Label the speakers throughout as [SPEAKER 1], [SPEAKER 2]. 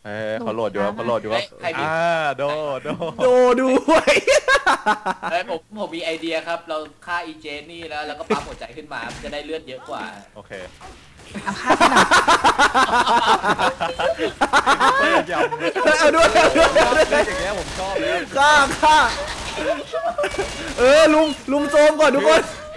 [SPEAKER 1] เขาโหลดอยู่ครับเขาโหลดอยู่ครับโด
[SPEAKER 2] ด้วย
[SPEAKER 3] ผมมีไอเดียครับเราฆ่าอีเจนี่แล้วก็ปั๊มหัวใจขึ้นมาจะได้เลือดเยอะกว่า
[SPEAKER 1] โอเค
[SPEAKER 4] เอาฆ่าขนาด
[SPEAKER 2] เอาด้วย
[SPEAKER 1] อย่างเงี้ยผมชอบเลย
[SPEAKER 2] ฆ่าลุมโจมก่อนทุกคน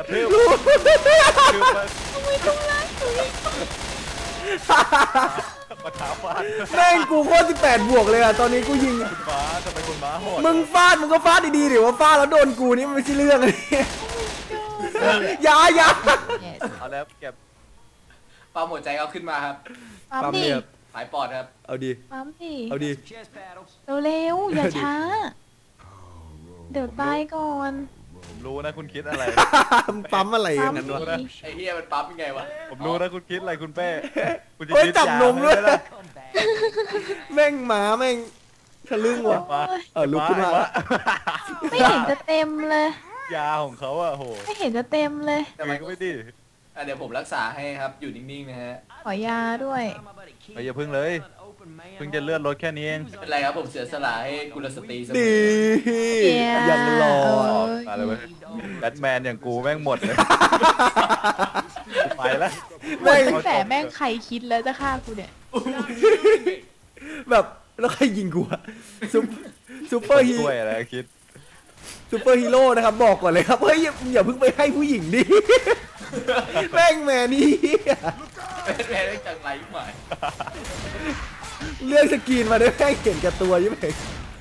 [SPEAKER 1] มาท้าฟาด
[SPEAKER 2] แม่งกูโคตร18 บวกเลยอ่ะตอนนี้กูยิง
[SPEAKER 1] คุณม้าทำไมคุณม้าโหด
[SPEAKER 2] มึงฟาดมึงก็ฟาดดีๆดิว่าฟาดแล้วโดนกูนี่มันไม่ใช่เรื่องเลยอย่า
[SPEAKER 1] เอาแล้วเก็บ
[SPEAKER 3] ปั๊มหัวใจเอาขึ้นมาครับ
[SPEAKER 4] ปั๊มดิ
[SPEAKER 3] สายปอดครับ
[SPEAKER 2] เอาดี
[SPEAKER 4] ปั๊มดิ
[SPEAKER 2] เอาดี
[SPEAKER 4] เร็วอย่าช้าเดี๋ยวตายก่อน
[SPEAKER 1] ผมรู้นะคุณคิดอะไร
[SPEAKER 2] ปั๊มอะไรอย่างนั้นวะ
[SPEAKER 3] ไอ้เหี้ยมันปั๊มยังไงวะ
[SPEAKER 1] ผมรู้นะคุณคิดอะไรคุณเป้
[SPEAKER 2] คุณจับนมด้วยแม่งหมาแม่งทะลึ่งว่ะลุกขึ้นมา
[SPEAKER 4] ไม่เห็นจะเต็มเลย
[SPEAKER 1] ยาของเขาอะโห
[SPEAKER 4] ไม่เห็นจะเต็มเลย
[SPEAKER 1] แต่มันก็ไม่ดี
[SPEAKER 3] เดี๋ยวผมรักษาให้ครับอยู่นิ่งๆนะฮะ
[SPEAKER 4] ขอยาด้วย
[SPEAKER 1] อย่าพึ่งเลยเพิ่งจะเลือดลดแค่นี้เอง
[SPEAKER 3] ไม่เป็นไรครับผมเสียสละให้กุลสตรีเสมอ
[SPEAKER 2] ดียังรอ
[SPEAKER 1] อะไรเว้ยแบทแมนอย่างกูแม่งหมดเลยไปแล้ว
[SPEAKER 4] แต่แม่งใครคิดแล้วจะฆ่ากูเนี่ย
[SPEAKER 2] แบบแล้วใครยิงกูอะซูเปอร์ฮีโร่
[SPEAKER 1] อะไรคิด
[SPEAKER 2] ซูเปอร์ฮีโร่นะครับบอกก่อนเลยครับเฮ้ยอย่าเพิ่งไปให้ผู้หญิงดิแม่งแมนนี่
[SPEAKER 3] แมนได้จังไรใหม่
[SPEAKER 2] เรื่องสกีนมาได้แม่งเห็นกับตัวยิ่งเอง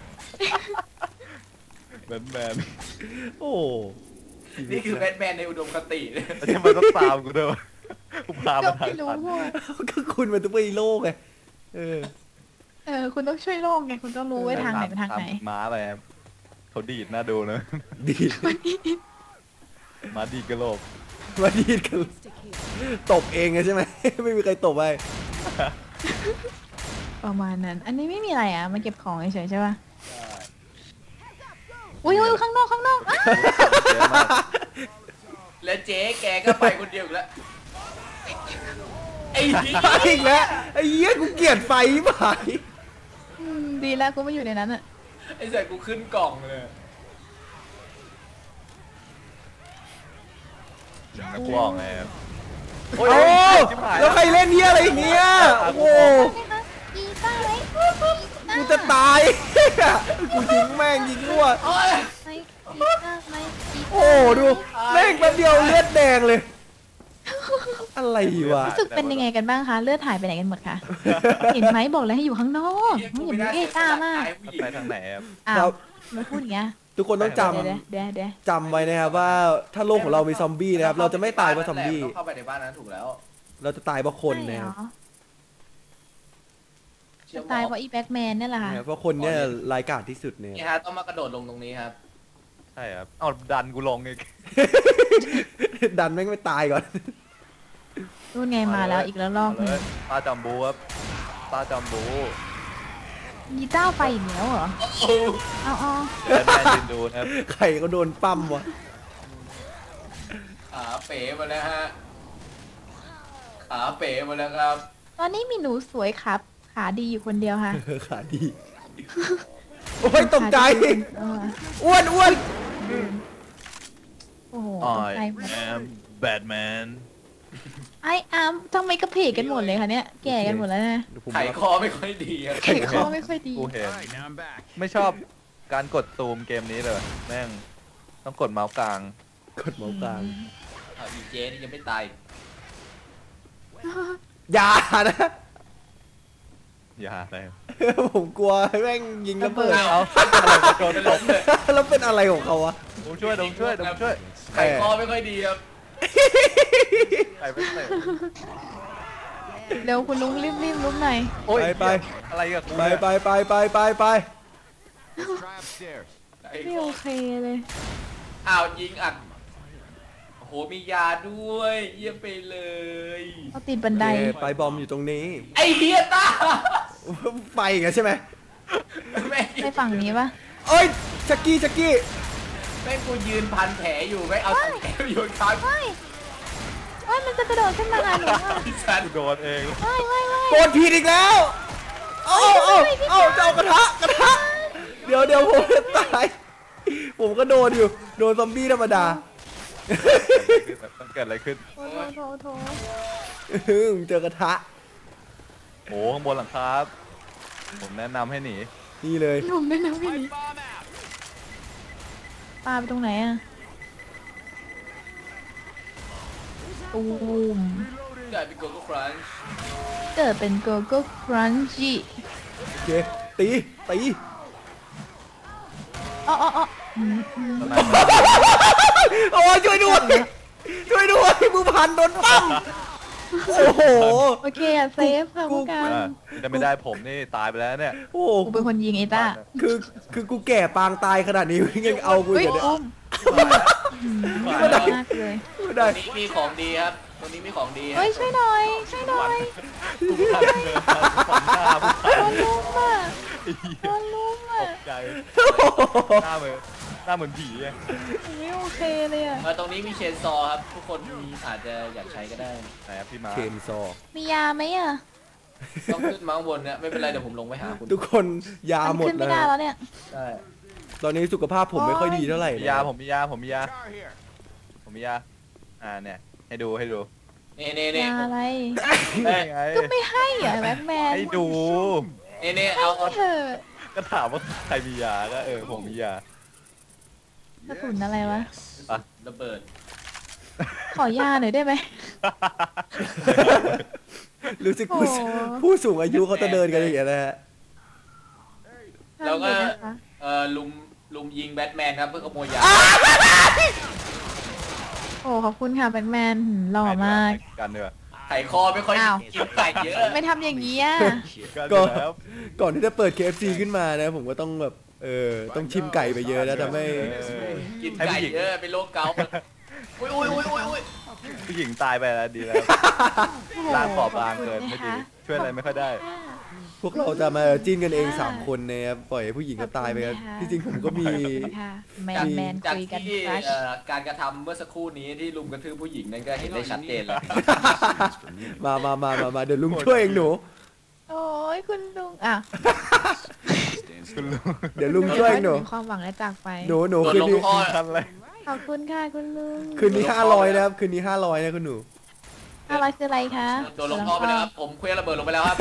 [SPEAKER 1] แมน
[SPEAKER 2] โอ้
[SPEAKER 3] นี่คือแบทแมนในอุดมคติ
[SPEAKER 1] ทำไมต้องตามกูด้วยกูพามาทาง
[SPEAKER 2] ก็คุณเป็นซูเปอร์ฮีโร่ไง
[SPEAKER 4] คุณต้องช่วยโลกไงคุณต้องรู้ไว้ทางไหนเป็นทางไหน
[SPEAKER 1] ม้าอะไรเขาดีดน่าดูนะ
[SPEAKER 2] ดีด
[SPEAKER 1] ม้าดีดกระโหลก
[SPEAKER 2] มาดีดกันตบเองใช่ไหมไม่มีใครตบไป
[SPEAKER 4] ประมาณนั้นอันนี้ไม่มีอะไรอ่ะมาเก็บของเฉยๆใช่ป่ะอุ้ยข้างนอก
[SPEAKER 3] แล้วเจ๊แกก็ไปคนเดียวแล้วไอ้
[SPEAKER 2] อีกแล้วไอ้เหี้ยกูเกลียดไฟไป
[SPEAKER 4] ดีแล้วกูไม่อยู่ในนั้นอ่ะ
[SPEAKER 3] ไอ้ใส่กูขึ้นกล่องเลย
[SPEAKER 1] นักร้องไง
[SPEAKER 2] โอ้แล้วใครเล่นเหี้ยอะไรอย่างเงี้ยโอ้โหกูจะตายกูยิงแม่งยิงรั่วโอ้ดูแม่งแป๊บเดียวเลือดแดงเลยอะไรวะ
[SPEAKER 4] รู้สึกเป็นยังไงกันบ้างคะเลือดหายไปไหนกันหมดคะเห็นไหมบอกแล้วให้อยู่ข้างนอกอย่าไปเอะก้ามาก
[SPEAKER 1] ไปทางไหน
[SPEAKER 2] ครับ
[SPEAKER 4] มาพูดอย่างเงี้ย
[SPEAKER 2] ทุกคนต้องจำไว้นะครับว่าถ้าโลกของเรามีซอมบี้นะครับเราจะไม่ตายเพราะซอมบี้
[SPEAKER 3] เข้าไปในบ้านนั้นถูกแล้ว
[SPEAKER 2] เราจะตายเพราะคนนะครับ
[SPEAKER 4] ตายเพราะอีแบ็กแมนนี่แหละค่ะ
[SPEAKER 2] เพราะคนเนี่ยร้ายกาจที่สุดเนี่ย
[SPEAKER 3] นี่ฮะต้องมากระโดดลงตรงนี้ครับ
[SPEAKER 1] ใช่ครับเอาดันกูลงอีก
[SPEAKER 2] ดันแม่งไม่ตายก่อน
[SPEAKER 4] รู้ไงมาแล้วอีกแล้วรอบนึง
[SPEAKER 1] ตาจัมบูครับตาจัมบู
[SPEAKER 4] มีเจ้าไฟอีกแล้วเหรอเอา
[SPEAKER 1] แบทแมนยืนดูครับ
[SPEAKER 2] ใครก็โดนปั้มวะ
[SPEAKER 3] ขาเป๋มาแล้วฮะขาเป๋มาแล้วครับ
[SPEAKER 4] ตอนนี้มีหนูสวยครับขาดีอยู่คนเดียวค่ะ
[SPEAKER 2] ขาดีโอ้ยตกใจอ้วน
[SPEAKER 4] โอ้โห
[SPEAKER 1] I am Batman
[SPEAKER 4] ไอ้ทำไมกระเพกกันหมดเลยคะเนี่ยแก่กันหมดแล้วนะ
[SPEAKER 3] ไขคอไม่ค่อยดี
[SPEAKER 4] ไขคอไม่ค่อยดี
[SPEAKER 1] กูเห็นไม่ชอบการกดซูมเกมนี้เลยแม่งต้องกดเมาส์กลาง
[SPEAKER 2] กดเมาส์กลาง
[SPEAKER 3] อีเจนี่ยังไม่ตาย
[SPEAKER 2] อย่านะ
[SPEAKER 1] อย่าเลย
[SPEAKER 2] ผมกลัวแม่งยิงระเบิด
[SPEAKER 1] เอาโดนหลบเลย
[SPEAKER 2] แล้วเป็นอะไรของเขาวะ
[SPEAKER 1] ผมช่วย
[SPEAKER 3] ไขคอไม่ค่อยดีครับ
[SPEAKER 4] เร็วคุณลุงรีบลุกหน่อย
[SPEAKER 2] ไป
[SPEAKER 1] อะไรกับกู
[SPEAKER 2] ไป
[SPEAKER 4] ไม่โอเคเลย
[SPEAKER 3] ยิงอัดโอ้โหมียาด้วยเยี่ยมไปเลย
[SPEAKER 4] เขาติดบันได
[SPEAKER 2] ไปบอมอยู่ตรงนี้
[SPEAKER 3] ไอเฮียตา
[SPEAKER 2] ไปกันใช่ไหม
[SPEAKER 4] ไปฝั่งนี้ปะ
[SPEAKER 2] เอ้ยชักกี้
[SPEAKER 3] แม่งกูยืนพันแผลอยู่ไม่เอาแผลอยู่ท้าย
[SPEAKER 4] มันจะกระโดดขึ้นมาหาหนู
[SPEAKER 1] ฉันโดนเอง
[SPEAKER 2] โกรธผิดอีกแล้วเอาจะเอากระทะเดี๋ยวผมจะตายผมก็โดนอยู่โดนซอมบี้ธรรมดา
[SPEAKER 1] มันเกิดอะไรขึ้น
[SPEAKER 4] โถ
[SPEAKER 2] เจอกระทะ
[SPEAKER 1] โอ้ข้างบนหลังคาผมแนะนำให้หนี
[SPEAKER 2] นี่เลย
[SPEAKER 4] หนุ่มได้นะพี่นี่ปลาไปตรงไหนอะตูม
[SPEAKER 3] กลายเป็นโกโก้ครันช์
[SPEAKER 4] เกิดเป็นโกโก้ครันจิ
[SPEAKER 2] โอเคตี
[SPEAKER 4] อ๋อ
[SPEAKER 1] ตอนนั้น
[SPEAKER 2] โอ้ช่วยด้วยมือพันโดนปั้มโอ้โห
[SPEAKER 4] โอเคอะเซฟค่ะผู้การ
[SPEAKER 1] จะไม่ได้ผมนี่ตายไปแล้วเนี่ย
[SPEAKER 2] โอ้
[SPEAKER 4] กูเป็นคนยิงไอ้ต้า
[SPEAKER 2] คือกูแก่ปางตายขนาดนี้ยังเอากู
[SPEAKER 4] เฮ้ย
[SPEAKER 2] อยู่เนี่ย
[SPEAKER 4] อุ้ม
[SPEAKER 2] ไม่ได้
[SPEAKER 4] มากเลย
[SPEAKER 2] ไม่
[SPEAKER 3] ต
[SPEAKER 2] ได้
[SPEAKER 3] รงนี้มีของดีครับตรงนี้มีของดีครั
[SPEAKER 4] เฮ้ย
[SPEAKER 3] บ
[SPEAKER 4] ช่วยหน่อยโดนลุมอ่ะโดนลุมอ่ะ
[SPEAKER 1] ตกใจหน้าเหมือนผีไง
[SPEAKER 4] ไม่โอเคเลยอ่ะ
[SPEAKER 3] ตรงนี้มีเชนซอครับทุกคนอาจจะอยากใช้ก็ได้
[SPEAKER 1] ไหนครับพี่มา
[SPEAKER 2] เคนซอ
[SPEAKER 4] มียาไหมอ่ะ
[SPEAKER 3] ต้องขึ้นมาข้างบนเนี่ยไม่เป็นไรเดี๋ยวผมลงไปหาคุณ
[SPEAKER 2] ทุกคนยาหมด
[SPEAKER 4] ขึ้น
[SPEAKER 2] แล้
[SPEAKER 4] ไม่ได้
[SPEAKER 2] ว
[SPEAKER 4] แล้วเนี่ย
[SPEAKER 3] ใช่
[SPEAKER 2] ตอนนี้สุขภาพผมไม่ค่อยดีเท่าไหร่
[SPEAKER 1] มียาผมมียาเนี่ยให้ดู
[SPEAKER 3] นี่
[SPEAKER 4] ยาอะไร
[SPEAKER 1] ได้ไง
[SPEAKER 4] ก็ไม่ให้อ่ะแบ็คแมน
[SPEAKER 1] ให้ดู
[SPEAKER 3] นี่เอา
[SPEAKER 4] เถอะ
[SPEAKER 1] ก็ถามว่าใครมียาก็ผมมียาก
[SPEAKER 4] ระสุนอะไรวะ
[SPEAKER 3] ระเบิด
[SPEAKER 4] ขอยาหน่อยได้ไหม
[SPEAKER 2] รู้สึก
[SPEAKER 4] โอ้
[SPEAKER 2] ผู้สูงอายุเขาจะเดินกันอย่างเงี้ยนะฮะ
[SPEAKER 3] แล้วก็
[SPEAKER 4] ห้ามเลยนะคะ
[SPEAKER 3] ลุมยิงแบทแมนครับเพื่อขโมยยา
[SPEAKER 4] โอ้ขอบคุณค่ะแบ็คแมนหล่อมาก
[SPEAKER 1] กันเนอะ
[SPEAKER 3] ไข่คอไม่ค่อย
[SPEAKER 4] อ้าว
[SPEAKER 3] กินไก่เยอะ
[SPEAKER 4] ไม่ทำอย่างนี้อ่ะ
[SPEAKER 1] ก็แล้ว
[SPEAKER 2] ก่อนที่จะเปิด KFC ขึ้นมานะผมก็ต้องแบบต้องชิมไก่ไปเยอะแล้วทำให้
[SPEAKER 3] กินไก่เยอะเป็นโรคเกาต์อุ้ย
[SPEAKER 1] ผู้หญิงตายไปแล้วดีแล้วร่างบอบบางเกินไม่ดีช่วยอะไรไม่ค่อยได้
[SPEAKER 2] พวกเราจะมาจิ้นกันเอง3คนนะครับปล่อยให้ผู้หญิงก็ตายไปกันที่จริงผมก็มี
[SPEAKER 4] ค่ะแม
[SPEAKER 3] จาก
[SPEAKER 4] นแมน
[SPEAKER 3] จาก
[SPEAKER 4] คุยกัน
[SPEAKER 3] ที่
[SPEAKER 4] ครัช
[SPEAKER 3] การกระทำเมื่อสักครู่นี้ที่ลุมกระทืบผู้หญิงนั่นก็เห็นได้ชัดเจนแล้ว
[SPEAKER 2] มาเดี๋ยวลุงช่วยเองหนู
[SPEAKER 4] โอ้ยคุณลุงอ่ะ
[SPEAKER 1] คุณลุง
[SPEAKER 2] เดี๋ยวลุงช่วยเองหนู
[SPEAKER 4] มีความหวังและจากไป
[SPEAKER 2] หนู
[SPEAKER 3] โดน
[SPEAKER 2] คืน
[SPEAKER 3] ลง
[SPEAKER 2] นี้
[SPEAKER 3] ท่อ
[SPEAKER 1] ทันอะไร
[SPEAKER 4] ขอบคุณค่ะคุณลุง
[SPEAKER 2] คืนนี้500นะครับคืนนี้500นะคุณหนู
[SPEAKER 4] อะไรคืออะไรคะ
[SPEAKER 3] โดนลงท่อไปแล้วครับผมเคลื่อนระเบิดลงไปแล้วครับ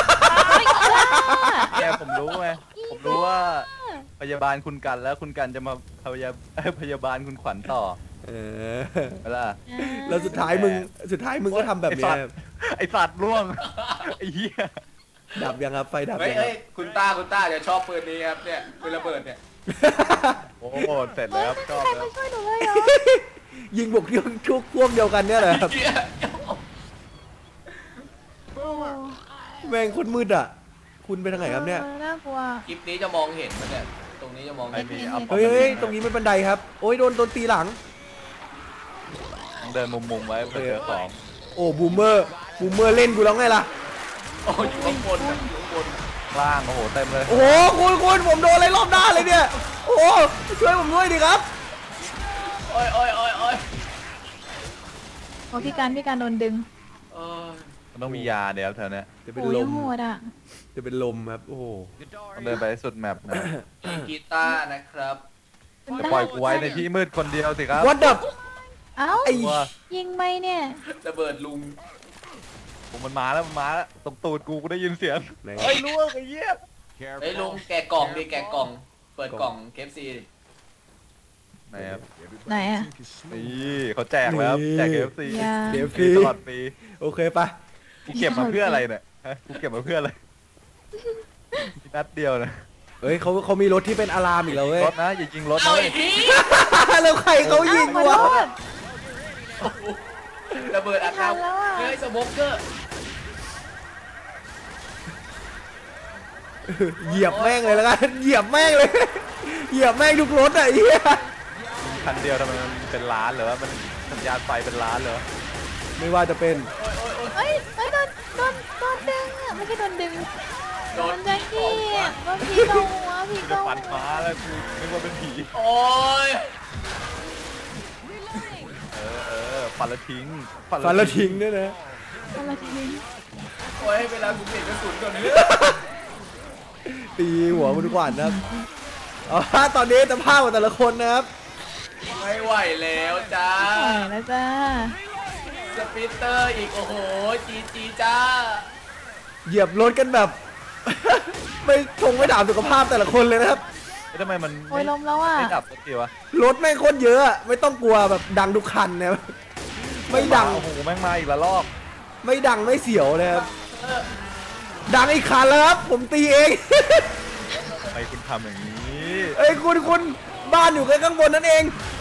[SPEAKER 1] แกผมรู้ไงผมรู้ว่าพยาบาลคุณกันแล้วคุณกันจะมาพยาบาลคุณขวัญต่อ
[SPEAKER 2] เออ
[SPEAKER 1] เวลา
[SPEAKER 2] แล้วสุดท้ายมึงก็ทำแบบนี้ครับ
[SPEAKER 1] ไอสัตว์ล่วงไอ้เหี้ย
[SPEAKER 2] ดับยังครับไฟดับ
[SPEAKER 3] เฮ้ย
[SPEAKER 2] ยังครับ
[SPEAKER 3] คุณต้าจะชอบปืนนี้ครับเนี่ยปืนระเบิดเนี่ย
[SPEAKER 1] โอ้โหเสร็จแล้วชอบ
[SPEAKER 4] ใคร
[SPEAKER 1] แล้
[SPEAKER 4] มาว ช่วยหนูเลยเหรอ
[SPEAKER 2] ยิงบุกที่ชุกพวกเดียวกันเนี่ยแหละครับ
[SPEAKER 3] เหี้ย
[SPEAKER 4] โอ้
[SPEAKER 2] แม่งโคนมืดอ่ะ คุณไปทางไหนครับเนี่ย
[SPEAKER 4] น่ากลัว
[SPEAKER 3] คลิปนี้จะมองเห็นมันเนี่ยตรงนี้จะมอง
[SPEAKER 1] ไม่
[SPEAKER 3] เห็น
[SPEAKER 1] มีเอา
[SPEAKER 2] เฮ้ยตรงนี้เป็นบันไดครับ โอ้ยโดนตีหลัง
[SPEAKER 1] เดินมุมๆไว้เพื่อเจอของ
[SPEAKER 2] โอ้บูมเมอร์เล่นกูแล้วไงล่ะ
[SPEAKER 3] โอ้อยู่ข้างบนครับอยู่ข้างบน
[SPEAKER 1] ล่างโอ้โหเต็มเลย
[SPEAKER 2] โอ้โหคุณผมโดนอะไรรอบหน้าเลยเนี่ย โอ้โหช่วยผมด้วยดิครับ
[SPEAKER 3] โอ้ย
[SPEAKER 4] โอ้พี่การโดนดึง
[SPEAKER 3] เออ
[SPEAKER 1] มันต้องมียาเดี๋ยวแถวเนี้ย
[SPEAKER 2] จะเป็น
[SPEAKER 4] โอ้
[SPEAKER 2] ล
[SPEAKER 4] ย
[SPEAKER 2] ม
[SPEAKER 4] โหดอ่ะ
[SPEAKER 2] จะเป็นลมครับ โอ้โห
[SPEAKER 1] ต้องเดินไปให้สุดแมปนะ
[SPEAKER 3] มีกีตาร์นะครับ
[SPEAKER 1] จะปล่อยกูไว้ในที่มืดคนเดียวสิครับ
[SPEAKER 2] What the
[SPEAKER 4] เอ้า
[SPEAKER 2] ไอ้
[SPEAKER 1] ว่า
[SPEAKER 4] ยิงไหมเนี่ย
[SPEAKER 3] ระเบิดลุง
[SPEAKER 1] ผมมันมาแล้วตรงตูดกูได้ยินเสียง
[SPEAKER 2] ไหน
[SPEAKER 1] เฮ้ยล่วงไอ้เหี้ย
[SPEAKER 3] เฮ้ยลุงแกะกล่องดิแกะกล่อง เปิดกล่องเคฟซี
[SPEAKER 1] ไหนครับ
[SPEAKER 4] ไหนอ่ะ
[SPEAKER 1] นี่เขาแจกแล้วแจก KFC
[SPEAKER 4] ยา
[SPEAKER 2] เดี๋ยว
[SPEAKER 1] ฟรีตลอดปี
[SPEAKER 2] โอเคปะ
[SPEAKER 1] กูเก็บมาเพื่ออะไรเนี่ยฮะกูเก็บมาเพื่ออะไรมีนัดเดียวนะ
[SPEAKER 2] เฮ้ยเขามีรถที่เป็นอะลามอีกแล้วเว้ย
[SPEAKER 1] รถนะอย่ายิงรถ
[SPEAKER 3] เอา
[SPEAKER 1] นะ
[SPEAKER 3] อีกที
[SPEAKER 2] แล้วใครเขายิง
[SPEAKER 4] อ้าวขอ
[SPEAKER 2] วะ
[SPEAKER 4] โทษ
[SPEAKER 3] ระเบิดอัด
[SPEAKER 4] ไม่ทันแล้วอะ
[SPEAKER 3] เฮ้ยสโมกเกอร์
[SPEAKER 2] เหยียบแม่งเลยแล้วกัน เหยียบแม่งเลย เหยียบแม่งทุกรถอ่ะไอ้เหี้ย
[SPEAKER 1] คันเดียวทำไมมันเป็นล้านเหรอวะมันสัญญาณไฟเป็นล้านเหรอ
[SPEAKER 2] ไม่ว่าจะเป็น
[SPEAKER 4] เฮ้ยโดนดึงอ่ะไม่ใช่โดนดึง
[SPEAKER 3] โด
[SPEAKER 4] โด
[SPEAKER 3] น
[SPEAKER 4] นแจ็คกี้อ่ะว่าพี่โดนหัวพี่
[SPEAKER 1] กู
[SPEAKER 4] โด
[SPEAKER 1] จะ
[SPEAKER 4] น
[SPEAKER 1] ฟันฟ้าแล้วกูนึกว่าเป็นผี
[SPEAKER 3] โอ้ย
[SPEAKER 1] ฟันละทิ้ง
[SPEAKER 2] ฟันแล้วทิ้งด้วยนะ
[SPEAKER 4] อะไรทีนี้
[SPEAKER 3] โอ้ยเวลากูเปลี่ยนกระสุนก่อนเนื้อ
[SPEAKER 2] ตีหัวคุณขวัญนะครับเอาละตอนนี้จะภาพของแต่ละคนนะครับ
[SPEAKER 3] ไม่ไหวแล้วจ้า
[SPEAKER 4] ปล่อยแล้วจ้า
[SPEAKER 3] สปิตเตอร์อีกโอ้โหจีจ้า
[SPEAKER 2] เหยียบรถกันแบบ ไม่ด่าสุขภาพแต่ละคนเลยนะครับ
[SPEAKER 1] ทำไมมัน
[SPEAKER 4] โอ้ยลมแล้วอ่ะ
[SPEAKER 1] ไม่ดับสักทีวะ
[SPEAKER 2] รถแม่งโคตรเยอะอะไม่ต้องกลัวแบบดังทุกคันนะครับไม่ดัง
[SPEAKER 1] โอ้โหแม่งมาอีกละลอก
[SPEAKER 2] ไม่ดังไม่เสียวเลยครับดังอีกคันแล้วครับผมตีเอง
[SPEAKER 1] ทำไมคุณทำอย่างนี้
[SPEAKER 2] เอ้ยคุณบ้านอยู่แค่ข้างบนนั่นเอง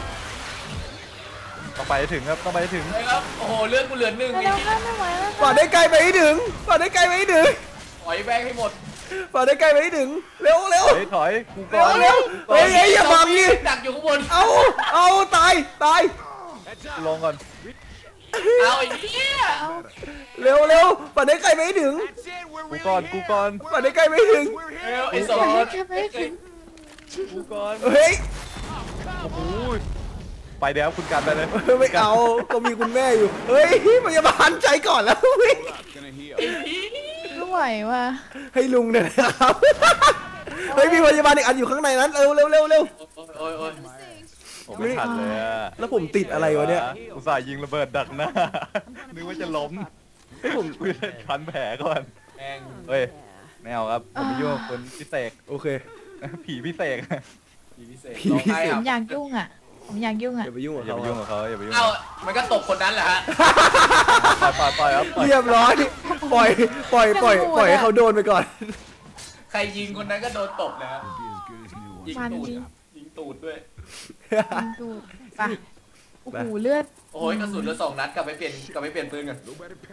[SPEAKER 1] ต้องไปให้ถึงครับต้องไปให้ถึง
[SPEAKER 3] เลยครับโอ้โหเลือดกูเหลือ1
[SPEAKER 4] ไม่
[SPEAKER 3] อี
[SPEAKER 4] แล้ว
[SPEAKER 3] ก
[SPEAKER 4] ค่ะไม่ไหวแล้ว
[SPEAKER 2] ป่าได้ไกลไปให้ถึงป่าได้ไกลไปให้ถึง
[SPEAKER 3] ถอยแบงให้หมด
[SPEAKER 2] ป่าได้ไกลไปให้ถึงเร็วเร็ว
[SPEAKER 1] ถอยกู
[SPEAKER 2] เร็
[SPEAKER 1] ก่อ
[SPEAKER 2] วน เร็วเฮ้ยอย่าบังดิ
[SPEAKER 3] ดักอยู่ข้างบน
[SPEAKER 2] เอาตาย
[SPEAKER 1] ลงก่อน
[SPEAKER 3] เอาไอ้เหี้ย
[SPEAKER 2] เร็วป่าได้ไกลไปให้ถึง
[SPEAKER 1] กูก่อน
[SPEAKER 2] ป่าได้ไกลไปให้ถึง
[SPEAKER 3] เร็วไอ้สอง
[SPEAKER 4] แค่ไม่ถึง
[SPEAKER 1] กูก่อน
[SPEAKER 2] เฮ้ย
[SPEAKER 1] โอ้โหไปเดี๋ยวคุณกันไปเลย
[SPEAKER 2] ไม่เอาก็มีคุณแม่อยู่เฮ้ยพยาบาลใจก่อนแล้ววิ่ง
[SPEAKER 4] ไม่ไหวว่ะ
[SPEAKER 2] ให้ลุงเนี่ยนะครับเฮ้ยมีพยาบาลอีกอันอยู่ข้างในนั้นเร็ว
[SPEAKER 3] โอ้ย
[SPEAKER 1] ผมไม่ทันเลยอะ
[SPEAKER 2] แล้วผมติดอะไรวะเนี่ย
[SPEAKER 1] อุตส่าห์ยิงระเบิดดักหน้านึกว่าจะล้มให้ผมพันแผลก่อน
[SPEAKER 3] แม่ง
[SPEAKER 1] เฮ้ยไม่เอาครับผมไม่ยุ่งกับคนพิเศษ
[SPEAKER 2] โอเค
[SPEAKER 1] ผีพิเศษ
[SPEAKER 3] ผีพิเศษ
[SPEAKER 2] ผี
[SPEAKER 3] ร้อง
[SPEAKER 2] พิเศษ
[SPEAKER 3] ไห้
[SPEAKER 4] ผ
[SPEAKER 3] ครั
[SPEAKER 4] ม
[SPEAKER 3] บ
[SPEAKER 4] อยากยุ่งอ่ะ ผมอยากยุ่งอ่ะ
[SPEAKER 2] อย่าไปยุ่งกับ
[SPEAKER 1] อย่า
[SPEAKER 2] เขา
[SPEAKER 1] ไปยุ่งกับเขาอย่าไปยุ่ง
[SPEAKER 3] เอ้ามันก็ตบคนนั้นแหละฮะ
[SPEAKER 1] ปล่อยครับ
[SPEAKER 2] เรียบร้อยปล่อยให้เขาโดนไปก่อน
[SPEAKER 3] ใครยิงคนนั้นก็โดนตบนะฮะยิง
[SPEAKER 4] มัน
[SPEAKER 3] ตูด
[SPEAKER 4] จริง
[SPEAKER 3] ยิงตูดด้วย
[SPEAKER 4] ยิงดูดไปโอ้โหเลือด
[SPEAKER 3] โอ้ยกระสุนเหลือ2 นัดกลับไปเปลี่ยนปืนกัน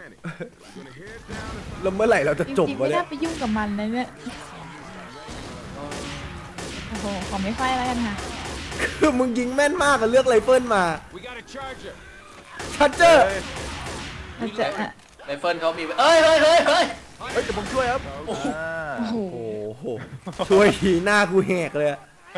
[SPEAKER 2] แล้วเมื่อไหร่เราจะ
[SPEAKER 4] จ
[SPEAKER 2] จบ
[SPEAKER 4] ริงๆ
[SPEAKER 2] วะ
[SPEAKER 4] ไม่
[SPEAKER 2] เนี่
[SPEAKER 4] น่าย ไปยุ่งกับมันเลยเนี่ยโอ้โหขอไม่ไฟแล้วกันค่ะ
[SPEAKER 2] คือมึงยิงแม่นมากอะเลือกไรเฟิลมาชัดเจอร์
[SPEAKER 4] เราจะอ่ะ
[SPEAKER 3] ไรเฟิลเขามีเอ้ย
[SPEAKER 1] เฮ้ยเดี๋ยวผมช่วยครับ
[SPEAKER 4] โอ้โห
[SPEAKER 2] โอ้โหช่วยทีหน้ากูแหกเลยอะ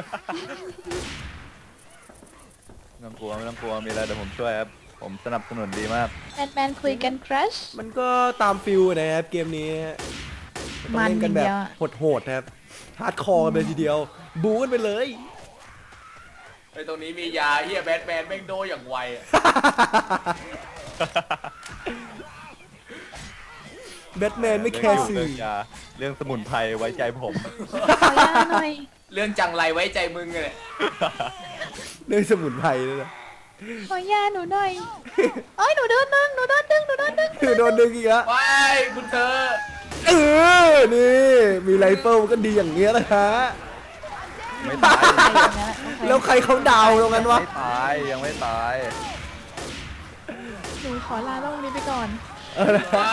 [SPEAKER 1] ไม่ต้องกลัวมีอะไรเดี๋ยวผมช่วยครับผมสนับสนุนดีมาก
[SPEAKER 4] แมนคุยกันครัช
[SPEAKER 2] มันก็ตามฟิลนะครับเกมนี้ต้องเล่นกันแบบโหดๆนะครับฮาร์ดคอร์กันเลยทีเดียวบู๊กันไปเลย
[SPEAKER 3] ไอ้ตรงนี้มียาเฮียแบทแมนแม่งโดอย่างไวอะ
[SPEAKER 2] แบทแมนไม่แคร์สื่
[SPEAKER 1] เรื่
[SPEAKER 2] อ
[SPEAKER 1] องยาเรื่องสมุนไพรไว้ใจผม
[SPEAKER 4] ขอยาหน่อย
[SPEAKER 3] เรื่องจังไรไว้ใจมึงเลย
[SPEAKER 2] เรื่องสมุนไพรเลยนะ
[SPEAKER 4] ขอยาหนูหน่อยเอ้ยหนูโดนดึง
[SPEAKER 2] คือโดนดึงอีกแล้ว
[SPEAKER 3] ว้คุณเธอ
[SPEAKER 2] นี่มีไรเฟิลก็ดีอย่างเงี้ยแหละฮะ
[SPEAKER 1] ไม่ตาย
[SPEAKER 2] แล้วใครเขาดาวตรงนั้นวะ
[SPEAKER 1] ไม่ตายยังไม่ตาย
[SPEAKER 4] หนูขอลาโลกนี้ไปก่อน
[SPEAKER 3] ว้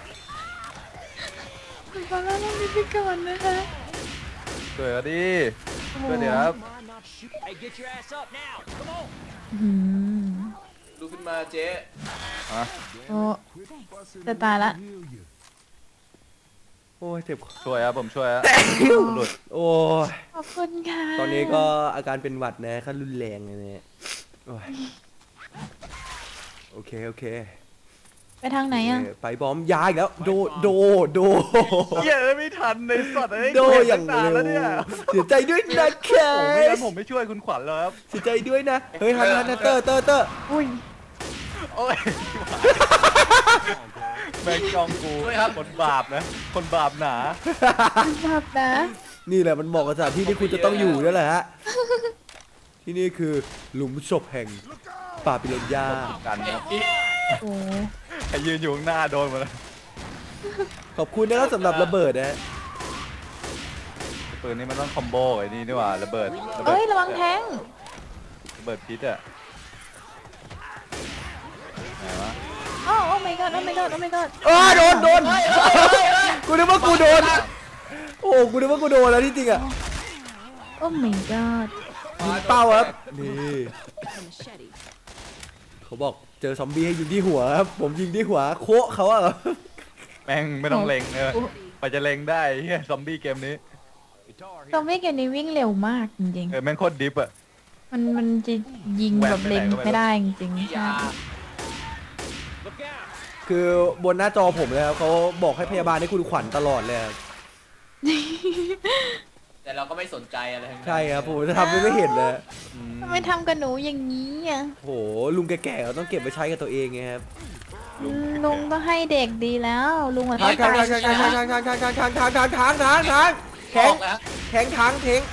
[SPEAKER 4] หนูขอลาโลกนี้ไปก่อนนะคะ
[SPEAKER 1] ช่วยกันดิช่วยเดี๋ยวครับ
[SPEAKER 4] อืม
[SPEAKER 3] ดูขึ้นมาเจ๊
[SPEAKER 1] อ่ะ
[SPEAKER 4] โอ้จะตายละ
[SPEAKER 2] โอ้ยเจ็บ
[SPEAKER 1] ช่วยครับผมช่วยครับหลุด
[SPEAKER 2] โอ้ย
[SPEAKER 4] ขอบคุณค่ะ
[SPEAKER 2] ตอนนี้ก็อาการเป็นหวัดนะขั้นรุนแรงเลยเนี่ยโอ้ยโอเค
[SPEAKER 4] ไปทางไหนอ่ะ
[SPEAKER 2] ไปบอมยาอีกแล้วโด
[SPEAKER 1] เหี้ยไม่ทันในสัตว์ไอ้
[SPEAKER 2] โดอย่าง
[SPEAKER 1] นาน
[SPEAKER 2] เร็
[SPEAKER 1] แล้วเนี่ยว
[SPEAKER 2] เสียใจด้วยนะแค
[SPEAKER 1] โอ้ไม่งั้
[SPEAKER 2] ส
[SPEAKER 1] นผมไม่ช่วยคุณขวัญแล้วครับ
[SPEAKER 2] เสียใจด้วยนะเฮ้ยฮันเตอร์
[SPEAKER 4] อุ้ย
[SPEAKER 1] โอ้ยแม่งจองกูคนบาปนะคนบาปหนา
[SPEAKER 4] ภาพนะ
[SPEAKER 2] นี่แหละมันบอกกับสถานที่ที่คุณจะต้องอยู่ด้วยแหละฮะที่นี่คือหลุมศพแห่งป่าปิเรนยา
[SPEAKER 1] กันครับ
[SPEAKER 4] โอ้
[SPEAKER 1] ไอ้ยืนอยู่ข้างหน้าโดนหมดเลย
[SPEAKER 2] ขอบคุณนะครับสำหรับระเบิดนะฮะ
[SPEAKER 1] ปืนนี้มันต้องคอมโบไอ้นี่นี่หว่าระเบิด
[SPEAKER 4] เอ้ยระวังแทง
[SPEAKER 1] ระเบิดพิษอะไหนวะ
[SPEAKER 4] โอ้ my god โอ้ my god โอ้ my god
[SPEAKER 2] โดนกูนึกว่ากูโดนโอ้กูนึกว่ากูโดนแล้วที่จริงอ่ะ
[SPEAKER 4] โอ้ my god
[SPEAKER 2] ยิงเป้าครับนี่เขาบอกเจอซอมบี้ให้ยิงที่หัวครับผมยิงที่หัวโคะเขาอะ
[SPEAKER 1] แม่งไม่ต้องเล็งเลยไปจะเล็งได้เฮียซอมบี้เกมนี้
[SPEAKER 4] ซอมบี้เกมนี้วิ่งเร็วมากจริง
[SPEAKER 1] แม่งโคตรดิฟอะ
[SPEAKER 4] ๆมันจะยิงแบบเล็งไม่ได้จริงๆใช่
[SPEAKER 3] ยา
[SPEAKER 2] คือบนหน้าจอผมเลยครับเขาบอกให้พยาบาลให้คุณขวัญตลอดเลยครับ
[SPEAKER 3] แต่เราก็ไม่สนใจอะไรทั้งนั้น
[SPEAKER 2] ใช่ครับผมจะทำไม่เห็นเลย
[SPEAKER 4] ทำไมทำกับหนูอย่างนี้อ่ะ
[SPEAKER 2] โหลุงแก่ๆเราต้องเก็บไปใช้กับตัวเองไงครับ
[SPEAKER 4] ลุงต้องให้เด็กดีแล้วลุงอะ
[SPEAKER 2] ทาง
[SPEAKER 4] ต้อง
[SPEAKER 2] ทาง
[SPEAKER 4] ไป
[SPEAKER 2] ทางทางทางทางทางทางทางทางทางทางทางทางแข็
[SPEAKER 3] อง อกแล้ว
[SPEAKER 2] แข็งทางเทง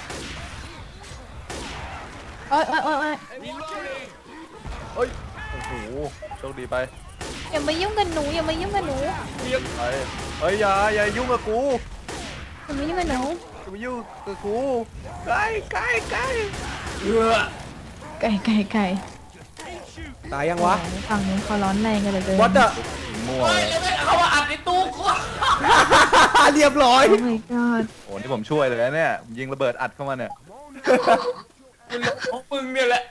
[SPEAKER 4] โอ๊ยโอ๊ยโอ๊ยโอ๊ย
[SPEAKER 1] เอ้ยโอ้โหโชคดีไป
[SPEAKER 4] อย่ามายุ่งกับหนูอย่ามายุ่งกับหนู
[SPEAKER 1] ไปเฮ้ยอย่ายุ่งกับกู
[SPEAKER 4] อย่ามายุ่งกับหนู
[SPEAKER 1] อย่ามายุ่งกับกูใกล้
[SPEAKER 3] เอือ
[SPEAKER 4] ไก่ไก่ไก่
[SPEAKER 2] ตายยังวะ
[SPEAKER 4] ฝั่งนี้เขาร้อนแรงกันเหลยเกิน
[SPEAKER 2] วัดอะ
[SPEAKER 1] มั่ว
[SPEAKER 3] เฮ้ย
[SPEAKER 1] เลย
[SPEAKER 3] แล้วไม่เข้ามาอัดในตู้กู
[SPEAKER 2] เรียบร้อย
[SPEAKER 4] โอ้ my god
[SPEAKER 1] โอ้นี่ผมช่วยเลยนะเนี่ยยิงระเบิดอัดเข้ามาเนี่ย
[SPEAKER 3] ของมึงเนี่ยแหละ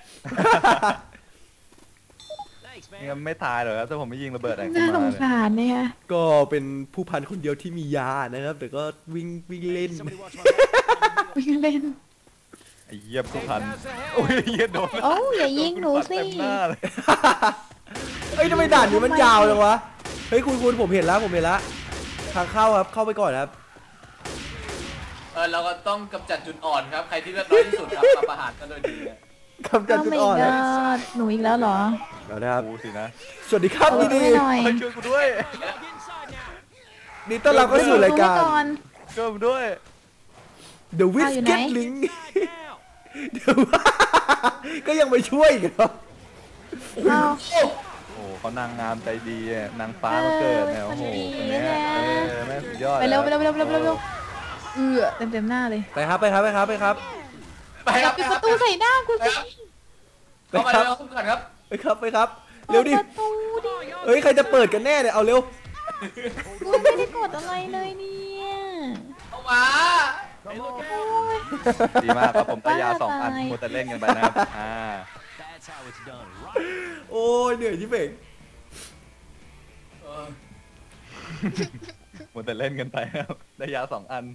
[SPEAKER 1] นี่มันไม่ตายหรอกครับถ้าผมไม่ยิงระเบิดอัด
[SPEAKER 4] น่า
[SPEAKER 1] เข้า
[SPEAKER 4] ส
[SPEAKER 1] มาง เนี่ย
[SPEAKER 4] สารเนี่ย
[SPEAKER 2] ก็เป็นผู้พันคนเดียวที่มียานะครับ แต่ก็วิ่งเล่น
[SPEAKER 4] วิ่งเล่น
[SPEAKER 1] ไอ้เหี้ยผู้พันโอ้ยเหี้ยโดน
[SPEAKER 4] โอ้อย่ายิงหนูสิ
[SPEAKER 1] เต็มหน้าเลย
[SPEAKER 2] เอ้ยทำไมด่านนี้มันยาวจังวะเฮ้ยคุณผมเห็นแล้วทางเข้าครับเข้าไปก่อนครับ
[SPEAKER 3] เราก็ต้องกำจัดจุดอ่อนครับ ใครที่เลือดน้อยที่สุดครับมาประหารกันโดยดีนะ
[SPEAKER 2] กำจัด
[SPEAKER 4] โอ้
[SPEAKER 2] จุด
[SPEAKER 4] my
[SPEAKER 2] อ่อนนะ
[SPEAKER 4] god หนูอีกแล้วเหรอ
[SPEAKER 2] เอานะครับ
[SPEAKER 1] กูสินะ
[SPEAKER 2] สวัสดีครับ
[SPEAKER 4] เอา
[SPEAKER 2] ดีดี
[SPEAKER 4] ให้หน่อย
[SPEAKER 1] เฮ้ยช่วยกูด้วย
[SPEAKER 2] ดีต้อนรับเข้าสู่รายการ
[SPEAKER 4] ดูให้อน
[SPEAKER 1] ช่วยกูด้วย
[SPEAKER 2] The w i
[SPEAKER 4] อ้าว
[SPEAKER 2] s
[SPEAKER 4] อยู่
[SPEAKER 2] k
[SPEAKER 4] ไหน
[SPEAKER 2] e t Link เดี๋ยวก็ยังไปช่วยอีกเหรอ
[SPEAKER 4] อ้าว
[SPEAKER 1] โอ้เขานางงามใจดีอะนางฟ้ามาเกิดเนี่ยโอ้โหคนเนี้ยแม่งสุดยอด
[SPEAKER 4] ไปเร็วไปเร็วไปเร็วไปเร็วไปเร็วเต็มหน้าเลย
[SPEAKER 2] ไปครับ
[SPEAKER 3] ไปค
[SPEAKER 4] อย่า
[SPEAKER 3] รับ
[SPEAKER 4] ปิดประตูใส่หน้ากูสิ
[SPEAKER 3] เข้ามาเลยขึ้นก่อนครับ
[SPEAKER 2] ไปครับเร็วดิ
[SPEAKER 4] ปิประตูดิ
[SPEAKER 2] เฮ้ยใครจะเปิดกันแน่เนี่ยเอาเร็ว
[SPEAKER 4] กูไม่ได้กดอะไรเลยเนี่ย
[SPEAKER 3] เข้ามา
[SPEAKER 4] โอ้ย
[SPEAKER 1] ดีมากครับผมได้ยา2 อันมัวแต่เล่นกันไปนะครับ
[SPEAKER 2] โอ้ยเหนื่อยชิบเป่ง
[SPEAKER 3] เออ
[SPEAKER 1] มัวแต่เล่นกันไปครับได้ยา2 อัน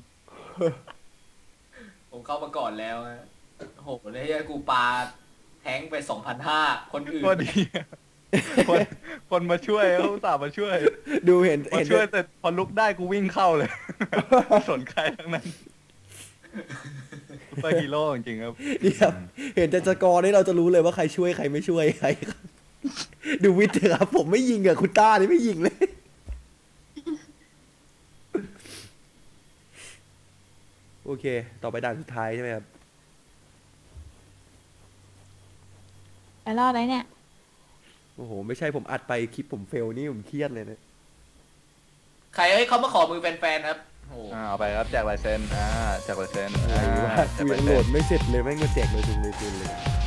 [SPEAKER 3] ผมเข้ามาก่อนแล้วฮะโอ้โหเนี่ยกูปาแทงไป 2,500 คนอื่น
[SPEAKER 1] ก็ดีคนมาช่วยเขาอุตส่าห์มาช่วย
[SPEAKER 2] ดูเห็น
[SPEAKER 1] มาช่วยแต่พอลุกได้กูวิ่งเข้าเลยไม่สนใครทั้งนั้นซุปเปอร์ฮีโร่จริงๆครับ
[SPEAKER 2] นี่ครับเห็นแต่สกอร์นี่เราจะรู้เลยว่าใครช่วยใครไม่ช่วยใครครับดูวิทย์เถอะครับผมไม่ยิงอะคุณต้านี่ไม่ยิงเลยโอเค ต่อไปด่านสุดท้ายใช่ไหมครับ
[SPEAKER 4] ไปรอดไหนเนี่ย
[SPEAKER 2] โอ้โหไม่ใช่ผมอัดไปคลิปผมเฟลนี่ผมเครียดเลยนะ
[SPEAKER 3] ใครเขามาขอมือแฟนๆครับโอ้โห
[SPEAKER 1] เอาไปครับแจกลายเซ็นแจกลายเซ็น
[SPEAKER 2] อะไรวะ
[SPEAKER 1] แจก
[SPEAKER 2] กู
[SPEAKER 1] ลา
[SPEAKER 2] ยั
[SPEAKER 1] ย
[SPEAKER 2] งโหล
[SPEAKER 1] เซ็น
[SPEAKER 2] ดไม่เสร็จเลยแม่งมาแจกเลยจุงเลยจุนเลย